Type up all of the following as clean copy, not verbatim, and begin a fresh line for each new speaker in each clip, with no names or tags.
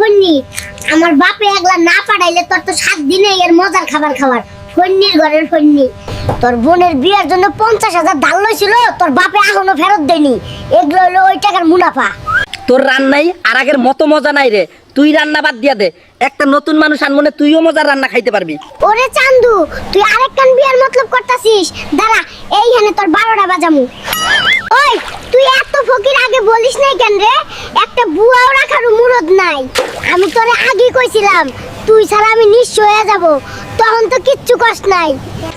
Funny আমার বাপে একলা না পাঠাইলে তোর তো 7 দিনে এর মজার খাবার খাবার ফন্নির ঘরের ফন্নি তোর বোনের বিয়ের জন্য 50,000 ধার লইছিল তোর বাপে এখনো ফেরত দেয়নি এগুলো হলো ওই টাকার মুনাফা
তোর রান্নাই আর আগের মতো মজা নাই রে। তুই রান্না বাদ দিয়া দে, একটা নতুন মানুষ আনমনে তুইও মজার রান্না খাইতে পারবি।
ওরে চান্দু তুই আরেকখান বিয়ার মতলব করতাছিস দাঁড়া এইখানে তোর 12টা বাজামু ওই তুই এত ফকির আগে বলিস নাই কেন রে একটা বুয়াও রাখার মুরদ নাই আমি তোরে আগে কইছিলাম তুই ছাড়া আমি নিঃস্ব হয়ে যাব তখন তো কিচ্ছু কষ্ট নাই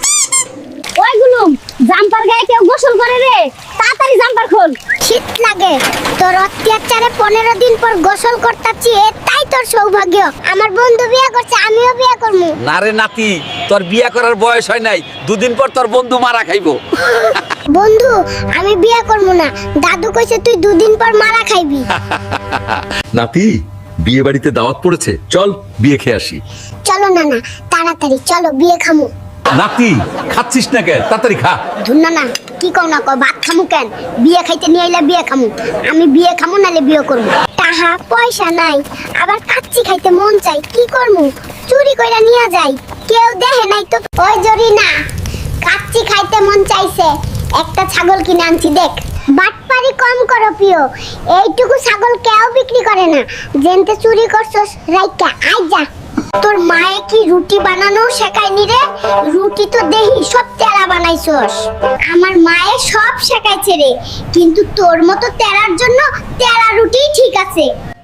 ওইগুলো জাম্পার গায়ে কেউ গোসল করে রে তাড়াতাড়ি জাম্পার খোল শীত লাগে তোর অত্যাচারে 15 দিন পর গোসল করতাছি এটাই তোর সৌভাগ্য আমার বন্ধু বিয়ে করছে আমিও বিয়ে করব
না রে নাতি, তোর বিয়ে করার বয়স হয় নাই, দুদিন পর তোর বন্ধু মারা খাইবো।
বন্ধু আমি বিয়ে করব না দাদু কইছে তুই 2 দিন পর মারা খাইবি
নাতি, বিয়ে বাড়িতে দাওয়াত পড়েছে, চল বিয়ে খেয়ে আসি।
চলো না না তাড়াতাড়ি চলো বিয়ে খামু
নাতি, খাচ্ছিস না কেন? তাড়াতাড়ি খা।
ধুনা না কি কও না কও ভাত খামু কেন বিয়ে খাইতে নিয়ে আইলা বিয়ে খামু আমি বিয়ে খামু নালে বিয়ে করব টাকা পয়সা নাই আবার কাচ্চি খাইতে মন চাই কি করমু চুরি কইরা নিয়ে যাই কেউ দেখে নাই তো ওই জরি না কাচ্চি খাইতে মন চাইছে একটা ছাগল কিনে আনছি দেখ বাটপারি কম করো প্রিয় এইটুকু ছাগল কেউ বিক্রি করে না জেনতে চুরি করছস রাইকা আই যা তোর মায়ে কি রুটি বানানো শেখায়নি রে রুটি তো দেহি সব তেরা বানাইছস আমার মায়ে সব শেখাইছে রে কিন্তু তোর মতো তেরার জন্য তেরা রুটি ঠিক আছে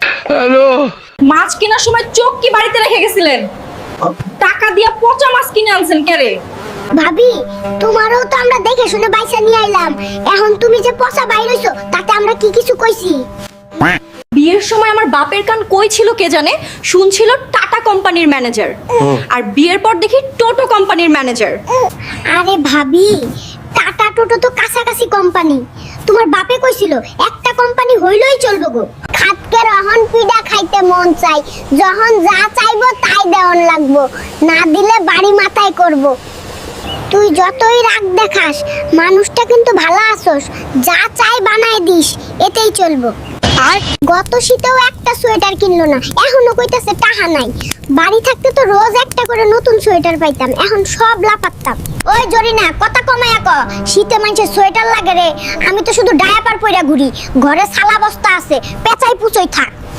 মাছ কেনার সময় চোখ কি বাড়িতে রেখে গেছিলেন? টাকা দিয়া পচা মাছ কিনে আনছেন কেরে?
ভাবি তোমারও তো আমরা দেখে শুনে বাইসা নিয়ে আইলাম এখন তুমি যে পচা বাইর হইছো তাতে আমরা কি কিছু কইছি
বিয়ের সময় আমার বাপের কান কই ছিল কে জানে, শুনছিল টাটা কোম্পানির ম্যানেজার, আর বিয়ের পর দেখি টোটো কোম্পানির ম্যানেজার।
আরে ভাবি টাটা টোটো তো কাছাকাছি কোম্পানি তোমার বাপে কইছিল একটা কোম্পানি হইলই চলবে গো খাতকে রহন পিডা খাইতে মন চাই যখন যা চাইবো তাই দেওয়ান লাগবো না দিলে বাড়ি মাথায় করব তুই যতই রাগ দেখাস মানুষটা কিন্তু ভালো আছস যা চাই বানায় দিস এতেই চলবো আর গত শীতেও একটা সোয়েটার কিনলো না এখনো কইতাছে টাকা নাই বাড়ি থাকতে তো রোজ একটা করে নতুন সোয়েটার পাইতাম এখন সব লাপাত্তাম ওই জরিনা কথা কমায়া ক শীতে মানুষের সোয়েটার লাগে রে আমি তো শুধু ডায়াপার পইরা ঘুরি ঘরে সালা বস্তা আছে পেঁচাই পুচই থাক